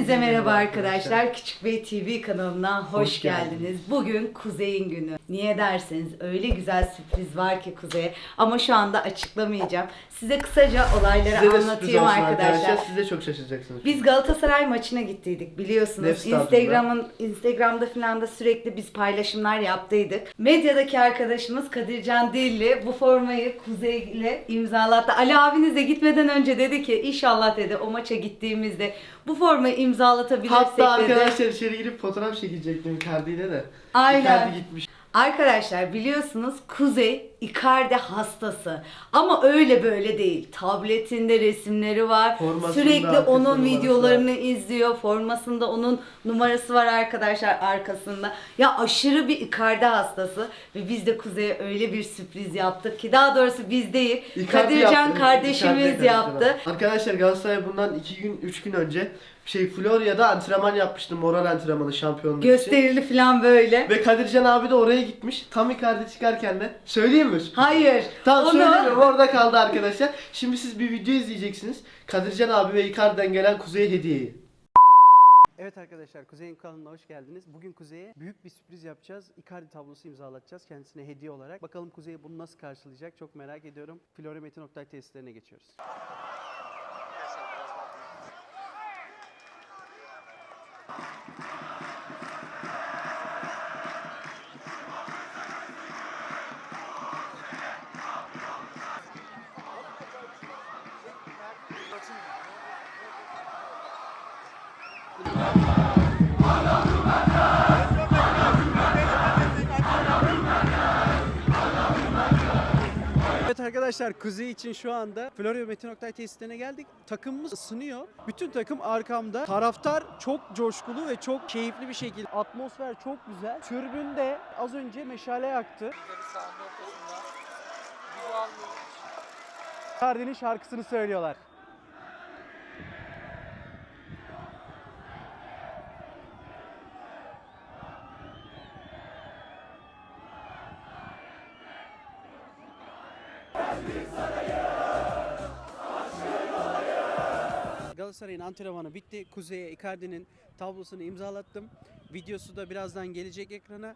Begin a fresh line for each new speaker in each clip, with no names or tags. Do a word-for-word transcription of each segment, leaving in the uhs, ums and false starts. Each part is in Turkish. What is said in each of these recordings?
Hepinize merhaba arkadaşlar. Küçük Bey T V kanalına hoş,
Hoş
geldiniz.
geldiniz.
Bugün Kuzey'in günü. Niye derseniz öyle güzel sürpriz var ki Kuzey'e. Ama şu anda açıklamayacağım. Size kısaca olayları
Size de sürpriz
anlatayım
olsun
arkadaşlar.
Siz de çok şaşıracaksınız.
Biz Galatasaray maçına gittiydik biliyorsunuz.
Nef stadyumunda.
Instagram'ın Instagram'da falan da sürekli biz paylaşımlar yaptıydık. Medyadaki arkadaşımız Kadircan Dilli bu formayı Kuzey ile imzalattı. Ali abiniz de gitmeden önce dedi ki inşallah dedi o maça gittiğimizde bu formayı imzalatabilirsek
Hatta
dedi.
arkadaşlar içeri girip fotoğraf çekecektim Icardi'yle de.
Aynen.
Icardi gitmiş.
Arkadaşlar biliyorsunuz Kuzey Icardi hastası ama öyle böyle değil. Tabletinde resimleri var.
Formasında
Sürekli
arkasında
onun
numarası
videolarını izliyor. Formasında onun numarası var arkadaşlar arkasında. Ya aşırı bir Icardi hastası ve biz de Kuzey'e öyle bir sürpriz yaptık ki daha doğrusu biz değil.
Icardi
Kadircan
yaptı.
kardeşimiz
Icardi
yaptı.
Arkadaşlar Galatasaray bundan iki gün üç gün önce şey Florya'da antrenman yapmıştı. Moral antrenmanı şampiyonluk için.
Gösterili falan böyle.
Ve Kadircan abi de oraya gitmiş. Tam Icardi çıkarken de söyleyeyim mi?
Hayır.
Tamam
onu...
söylemiyorum, orada kaldı arkadaşlar. Şimdi siz bir video izleyeceksiniz. Kadircan abi ve Icardi'den gelen Kuzey'e hediyeyi.
Evet arkadaşlar, Kuzey'in kanalına hoş geldiniz. Bugün Kuzey'e büyük bir sürpriz yapacağız. Icardi tablosu imzalatacağız kendisine hediye olarak. Bakalım Kuzey bunu nasıl karşılayacak çok merak ediyorum. Florya Oktay tesislerine geçiyoruz. Evet arkadaşlar, Kuzey için şu anda Florya Metin Oktay tesislerine geldik. Takımımız ısınıyor. Bütün takım arkamda. Taraftar çok coşkulu ve çok keyifli bir şekilde. Atmosfer çok güzel. Tribünde az önce meşale yaktı. Icardi'nin şarkısını söylüyorlar. Galatasaray'ın antrenmanı bitti. Kuzey'e Icardi'nin tablosunu imzalattım. Videosu da birazdan gelecek ekrana.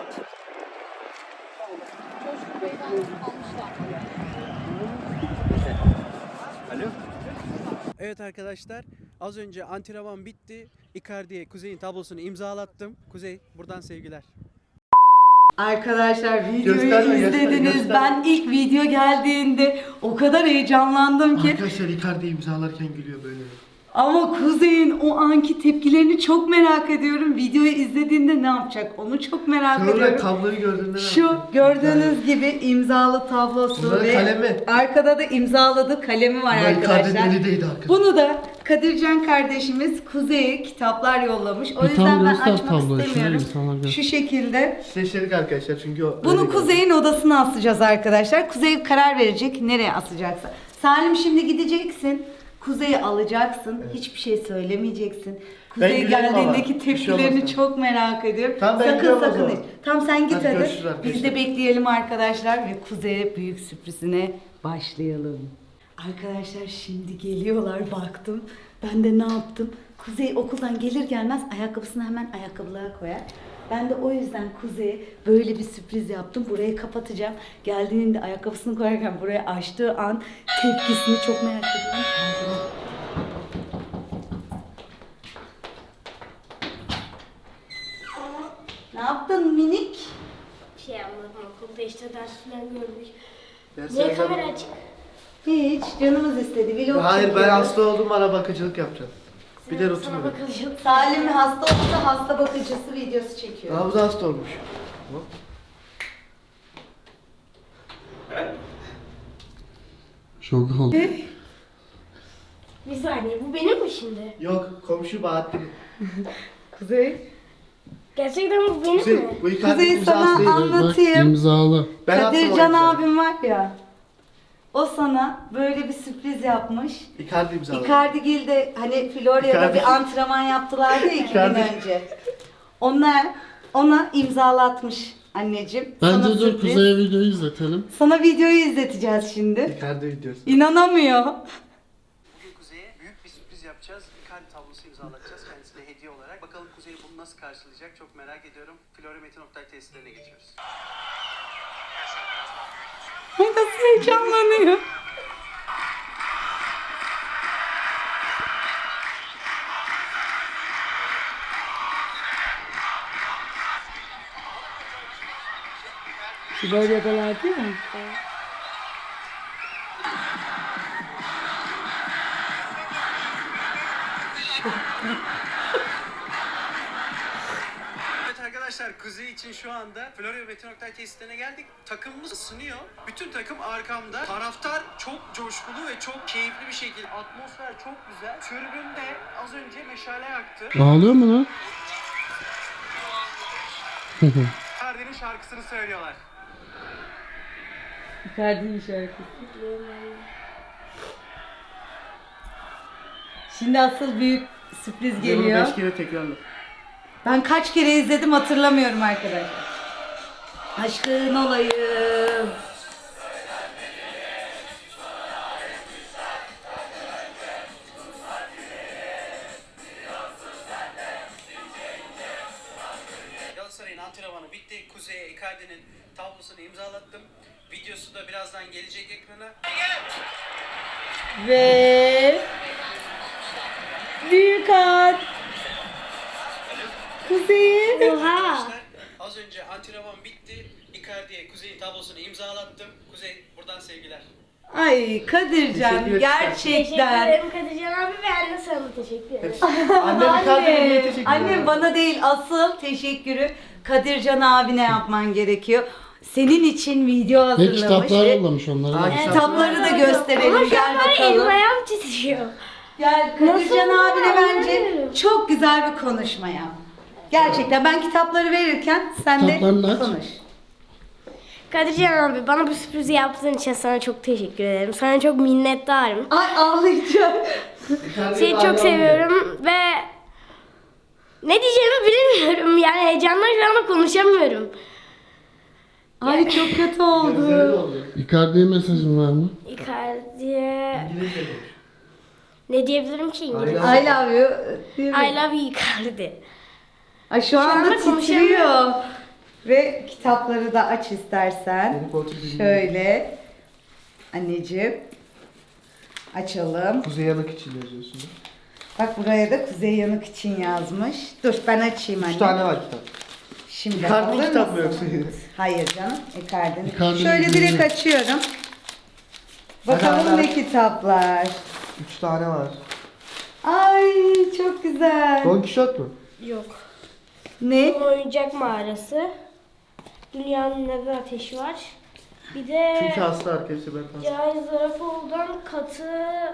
Alo. Evet arkadaşlar, az önce antrenman bitti. Icardi'ye Kuzey'in tablosunu imzalattım. Kuzey, buradan sevgiler.
Arkadaşlar videoyu
Gösterme,
izlediniz.
gösterme, gösterme.
Ben ilk video geldiğinde o kadar heyecanlandım ki.
Arkadaşlar Icardi imzalarken gülüyor böyle.
Ama Kuzey'in o anki tepkilerini çok merak ediyorum. Videoyu izlediğinde ne yapacak onu çok merak
Sonra
ediyorum.
tabloyu gördüğünde ne
Şu
yaptın?
gördüğünüz gibi imzalı tablosu
Bunların
ve
kalemi.
arkada da imzaladığı kalemi var
Bunlar Icardi'nin
arkadaşlar.
elindeydi arkadaşlar.
Bunu da Kadircan kardeşimiz Kuzey'e kitaplar yollamış. O
Bir
yüzden
tam
ben
göster
açmak
tabloyu,
istemiyorum.
şöyle insanlar görsün.
Şu şekilde.
Seçerik arkadaşlar çünkü o
Bunu
öyle
Kuzey'in odasına asacağız arkadaşlar. Kuzey karar verecek nereye asacaksa. Salim şimdi gideceksin. Kuzey'i alacaksın.
Evet.
Hiçbir şey söylemeyeceksin. Kuzey
gülerim ama,
geldiğindeki
bir şey
tepkilerini
olmasın.
çok merak ediyorum.
Tamam, ben
sakın
gidiyorum o
sakın
zaman.
hiç. Tamam sen git
Hadi
hadi.
görüşürüz arkadaşlar.
Biz de bekleyelim arkadaşlar ve Kuzey'e büyük sürprizine başlayalım. Arkadaşlar şimdi geliyorlar baktım. Ben de ne yaptım? Kuzey okuldan gelir gelmez ayakkabısını hemen ayakkabılığa koyar. Ben de o yüzden Kuzey'e böyle bir sürpriz yaptım. Burayı kapatacağım. Geldiğinde ayakkabısını koyarken buraya açtığı an tepkisini çok merak ediyorum. Ne yaptın minik?
Bir şey yapmadım okulda işte ders falan gördük.
Derslere
Niye kamera
ben-
açık?
Hiç canımız istedi. Vlog
Hayır, ben
çekiyoruz.
hasta oldum, bana bakıcılık yapacağım. Bir de
Sana
rutin öyle.
bakacağım.
Salim hasta olsa hasta bakıcısı videosu çekiyor.
Aa, bu da hasta olmuş. Hop.
Şok oldu.
Bir saniye bu benim mi şimdi?
Yok, komşu Bahattin.
Kuzey.
Gerçekten bu benim
Kuzey,
mi?
bu Icardi
Kuzey
imzası
sana
değil.
an-
Bak
Anlatayım.
imzalı.
Ben attım o
Kadircan
imzayı.
abim var ya. O sana böyle bir sürpriz yapmış.
Icardi imzaladı.
Icardigil'de hani Florya'da
Icardi-
bir antrenman yaptılardı ya iki gün
Icardi-
önce. Onlar ona imzalatmış anneciğim. Sana
Bence dur
sürpriz.
Kuzey'e videoyu izletelim.
Sana videoyu izleteceğiz şimdi.
Icardi videosu.
İnanamıyor.
Bugün Kuzey'e büyük bir sürpriz yapacağız. Icardi tablosu imzalatacağız. imzalatacağız kendisine hediye olarak. Bakalım Kuzey bunu nasıl karşılayacak çok merak ediyorum. Floryometin Oktay tesislerine geçiyoruz.
Ay nasıl heyecanlanıyor. Florya'dalar değil mi?
Evet arkadaşlar Kuzey için şu anda Floryometin Oktay tesislerine geldik. Takımımız ısınıyor. Bütün takım arkamda. Taraftar çok coşkulu ve çok keyifli bir şekilde. Atmosfer çok güzel. Tribünde az önce meşale yaktı.
Ağlıyor mu lan?
Icardi'nin şarkısını söylüyorlar.
Icardi'nin şarkısı. Şimdi asıl büyük sürpriz geliyor.
beş kere tekrarla.
Ben kaç kere izledim hatırlamıyorum arkadaşlar. Aşkın olayım.
Galatasaray'ın antrenmanı bitti. Kuzey'e Icardi'nin tablosunu imzalattım. Videosu da birazdan gelecek ekrana.
Ve büyük at. Kuzey.
Oha.
Arkadaşlar az önce antrenman bitti. Icardi'ye Kuzey'in tablosunu imzalattım. Kuzey buradan sevgiler.
Ay Kadircan
Teşekkür ederim.
Teşekkür
gerçekten.
ederim Kadircan abi ve anne sana da teşekkür ederim.
Annem Icardi'ye niye
Anne,
teşekkür
annem
ederim?
bana değil asıl teşekkürü Kadircan abine yapman gerekiyor. Senin için video
Ve
hazırlamış.
kitaplar
ve
yollamış onları.
Ay,
da.
kitap-
Kitapları da
Ama
gösterelim.
şu an
Gel
var ya, elim
bakalım.
ayağım titriyor.
Gel
Nasıl
Kadircan abine
ya?
bence çok güzel bir konuşma yap. Gerçekten ben kitapları verirken sen de
Kitaplarını aç.
konuş.
Kadircan abi bana bu sürprizi yaptığın için sana çok teşekkür ederim. Sana çok minnettarım.
Ay ağlayacağım.
Icardi'ye
Seni
hala
çok seviyorum ve ne diyeceğimi bilmiyorum. Yani heyecandan şu anda konuşamıyorum.
Ay çok kötü
Gözleri
oldu.
doldu.
Icardi'ye mesajın var mı?
Icardi'ye
İngilizce konuş.
ne diyebilirim ki İngilizce?
I
I love you. Değil mi?
I love you Icardi.
Ay şu anda
anda
titriyor.
konuşamıyorum.
Ve kitapları da aç istersen.
Harry Potter bilmiyorum.
Şöyle. Anneciğim. Açalım.
Kuzey Yanık için yazıyorsun.
Bak buraya da Kuzey Yanık için yazmış. Dur ben açayım anne.
Üç tane var kitap.
Şimdi
Icardi'nin
alır
kitap mı
mısın?
yoksa?
Hayır canım. Icardi'nin.
Icardi'nin
Şöyle direkt
bilmiyorum.
açıyorum. Bakalım
Hadi,
ne
hadi.
kitaplar.
Üç tane var.
Ay çok güzel.
Don Quixote mu?
Yok.
Ne?
Oyuncak mağarası. Dünyanın neden ateşi var. Bir de
Çünkü hasta arkadaşı ben hasta.
Cahil Zarafoğlu'dan katı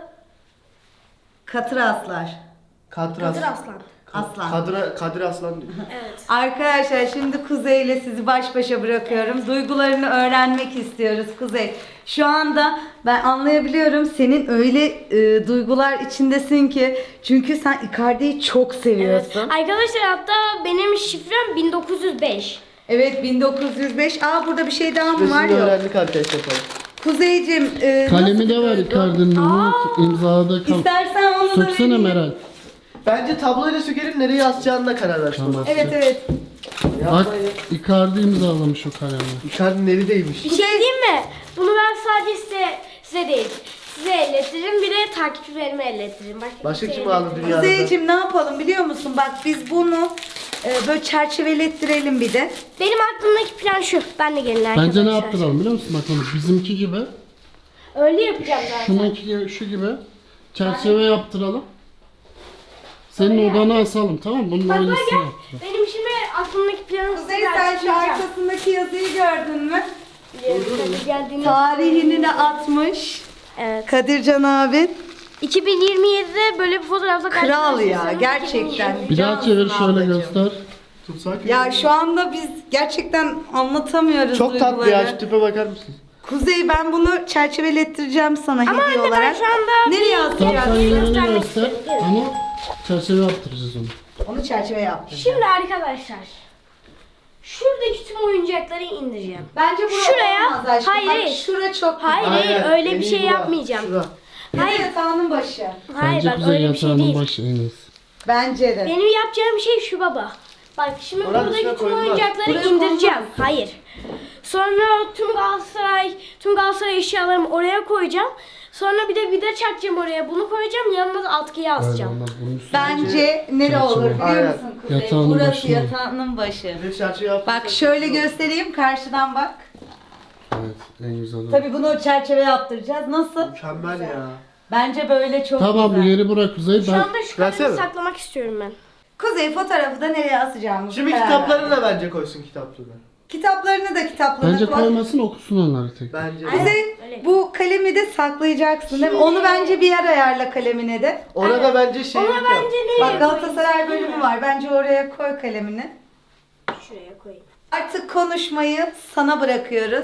Katır Aslar.
Kadir
Katır
Aslan.
Aslan.
Aslan.
Kadir, Kadir Aslan diyor.
Evet.
Arkadaşlar şimdi Kuzey ile sizi baş başa bırakıyorum. Duygularını öğrenmek istiyoruz Kuzey. Şu anda ben anlayabiliyorum senin öyle e, duygular içindesin ki. Çünkü sen Icardi'yi çok
Evet.
seviyorsun. Evet,
Arkadaşlar hatta benim şifrem bin dokuz yüz beş.
bin dokuz yüz beş. Aa burada bir şey daha mı var
Resmini
yok.
öğrendik arkadaşlar falan.
Kuzeyciğim e,
Kalemi
nasıl
de var
bir duygu?
Icardi'nin. onu imzaladığı kal.
İstersen onu da
Söksene
vereyim.
Meral.
Bence tabloyla sökelim nereye yazacağına karar versin.
Tamam.
Evet evet.
Bak Icardi imzalamış o kalemi.
Icardi'nin eli değmiş.
Bir şey diyeyim mi? Bunu ben sadece size, size değil. Size ellettiririm bir de takipçilerime ellettiririm. Başka,
Başka
kimseye
kim aldı
ellettirmem.
dünyada?
Kuzeyciğim ne yapalım biliyor musun? Bak biz bunu e, böyle çerçevelettirelim bir de.
Benim aklımdaki plan şu. Ben de gelin arkadaşlar.
Bence ne yaptıralım biliyor musun? Bak onu bizimki gibi.
Öyle yapacağım zaten.
Şununki gibi, şu gibi. Çerçeve yaptıralım. Senin odana asalım tamam mı? Bunun
Bak bak
aynısını
gel.
yaptıralım.
Benim şimdi aklımdaki planı size
Kuzey sen şu
açıklayacağım.
arkasındaki yazıyı gördün mü?
Biliyorum, tabii geldiğini-
Tarihini de atmış.
Evet.
Kadircan abi.
iki bin yirmi yedide böyle bir fotoğrafla
Kral ya
karşılaşırsanız
gerçekten.
Bir daha
Cansın
çevir şöyle
ablacığım.
göster.
Tutsak
Ya şu anda biz gerçekten anlatamıyoruz
çok tatlı
duyguları.
ya şu tipe bakar mısın?
Kuzey ben bunu çerçevelettireceğim sana
Ama
hediye
anne ben
olarak.
şu anda
Nereye
Tam
asacağız?
sen yerini
göstermek
göster
istedim.
ama çerçeve yaptıracağız onu.
Onu çerçeve yaptım.
Şimdi arkadaşlar şuradaki tüm oyuncakları indireceğim.
Bence bu
Şuraya-
olmaz aşkım.
hayır,
Bak,
hayır.
şura çok
Hayır
güzel.
hayır öyle bir şey yapmayacağım.
Şura.
Ya da yatağının başı.
Hayır
Bence
bak
Kuzey
öyle bir şey
yatağının
değil.
başı en iyisi.
Bence de.
Benim yapacağım şey şu baba. Bak şimdi
Oranın
buradaki
üstüne
tüm
koydular.
oyuncakları
Buraya
indireceğim.
koymaz.
Hayır. Sonra tüm Galatasaray, tüm Galatasaray eşyalarımı oraya koyacağım. Sonra bir de vida çakacağım oraya. Bunu koyacağım. Yanına da atkıyı
Öyle
asacağım.
olmaz. Bunun üstüne
Bence nere
Çerçeve.
olur biliyor
Aynen.
musun Kuzey?
Yatağının
Burası
başı.
yatağının başı.
Bir de çerçeve yaptıysak
Bak şöyle
çok güzel olur.
göstereyim karşıdan bak.
Evet, en güzel. o.
Tabii bunu çerçeve yaptıracağız. Nasıl?
Mükemmel ya.
Bence böyle çok
Tamam,
güzel.
yeri bırak Kuzey.
Şu
Ben
anda şu
Versene.
kadarını saklamak istiyorum ben.
Kuzey fotoğrafı da nereye asacağımızı
Şimdi
karar
kitaplarını
verdi.
da bence koysun kitaplarını.
Kitaplarını da kitaplarına
bence
koy.
koymasın, okusun onları tek.
Bence. de.
Kuzey
Öyle.
bu kalemi de saklayacaksın değil mi?
Şimdi-
Onu bence bir yer ayarla kalemine de.
Ona da bence şey
Ona
yap.
bence nereye
Bak Galatasaray
koyayım?
bölümü var. Bence oraya koy kalemini.
Şuraya koyayım.
Artık konuşmayı sana bırakıyoruz.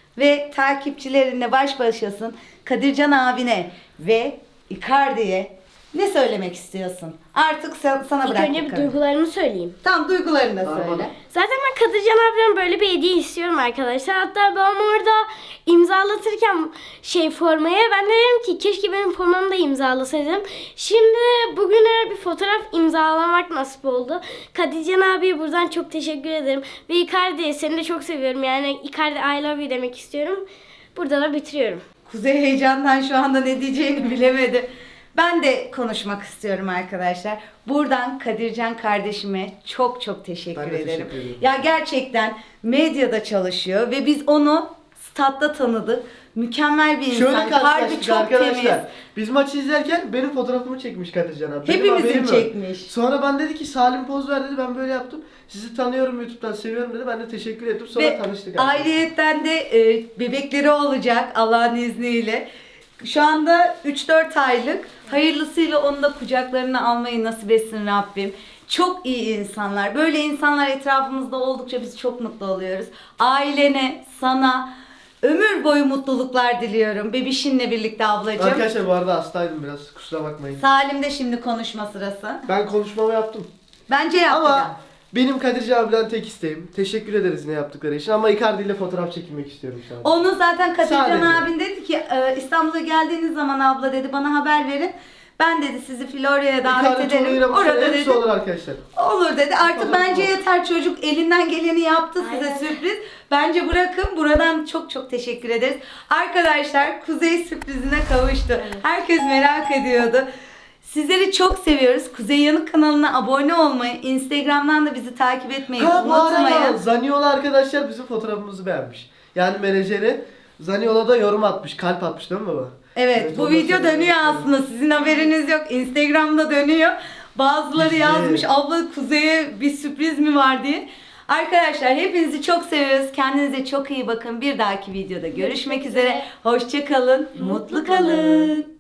Ve takipçilerinle baş başasın. Kadircan abine ve Icardi'ye ne söylemek istiyorsun? Artık sen, sana
İlk
bıraktık.
önce bir
karar.
duygularımı söyleyeyim.
Tam duygularını da
Tamam.
söyle.
Zaten ben Kadircan abiden böyle bir hediye istiyorum arkadaşlar. Hatta ben orada imzalatırken şey formaya ben de dedim ki keşke benim formamı da imzalasaydım. Şimdi bugüne bir fotoğraf imzalamak nasip oldu. Kadircan abiye buradan çok teşekkür ederim. Ve Icardi seni de çok seviyorum. Yani Icardi I love you demek istiyorum. Burada da bitiriyorum.
Kuzey heyecandan şu anda ne diyeceğini bilemedi. Ben de konuşmak istiyorum arkadaşlar. Buradan Kadircan kardeşime çok çok teşekkür
Ben de
ederim.
teşekkür ederim.
Ya gerçekten medyada çalışıyor ve biz onu statta tanıdık. Mükemmel bir insan.
Şöyle
Harbi
karşılaştık
çok
arkadaşlar.
temiz.
Biz maçı izlerken benim fotoğrafımı çekmiş Kadircan abi. Benim
Hepimizin
haberim yok.
çekmiş.
Sonra ben dedi ki Salim poz ver dedi, ben böyle yaptım. Sizi tanıyorum YouTube'dan, seviyorum dedi. Ben de teşekkür ettim. Sonra
Ve
tanıştık. arkadaşlar.
ayrıyetten de e, bebekleri olacak Allah'ın izniyle. Şu anda üç dört aylık. Hayırlısıyla onu da kucaklarına almayı nasip etsin Rabbim. Çok iyi insanlar. Böyle insanlar etrafımızda oldukça biz çok mutlu oluyoruz. Ailene, sana ömür boyu mutluluklar diliyorum. Bebişinle birlikte ablacığım.
Arkadaşlar bu arada hastaydım biraz, kusura bakmayın.
Salim de şimdi konuşma sırası.
Ben konuşmamı yaptım.
Bence yaptı.
Ama benim Kadircan abiden tek isteğim. Teşekkür ederiz ne yaptıkları için ama Icardi ile fotoğraf çekilmek istiyorum sadece.
Onu zaten Kadircan
Sadece.
abin dedi ki e, İstanbul'a geldiğiniz zaman abla dedi bana haber verin. Ben dedi sizi Florya'ya davet
Icardi
ederim.
Tolu'yla bu
Orada
sene hepsi
dedi.
olur arkadaşlar.
Olur dedi. Artık
Fotoğraf
bence
var.
yeter çocuk elinden geleni yaptı size
Aynen.
sürpriz. Bence bırakın. Buradan çok çok teşekkür ederiz. Arkadaşlar Kuzey sürprizine kavuştu. Herkes merak ediyordu. Sizleri çok seviyoruz. Kuzey Yanık kanalına abone olmayı, Instagram'dan da bizi takip etmeyi
Ha bu arada
unutmayın.
Zaniola arkadaşlar bizim fotoğrafımızı beğenmiş. Yani menajeri Zaniola da yorum atmış, kalp atmış değil mi baba?
Evet,
Evet,
bu
ondan
video
sonra-
dönüyor aslında. Sizin haberiniz yok. Instagram'da dönüyor. Bazıları
Güzel.
yazmış abla Kuzey'e bir sürpriz mi var diye. Arkadaşlar hepinizi çok seviyoruz. Kendinize çok iyi bakın. Bir dahaki videoda görüşmek üzere. Hoşça kalın. Mutlu kalın.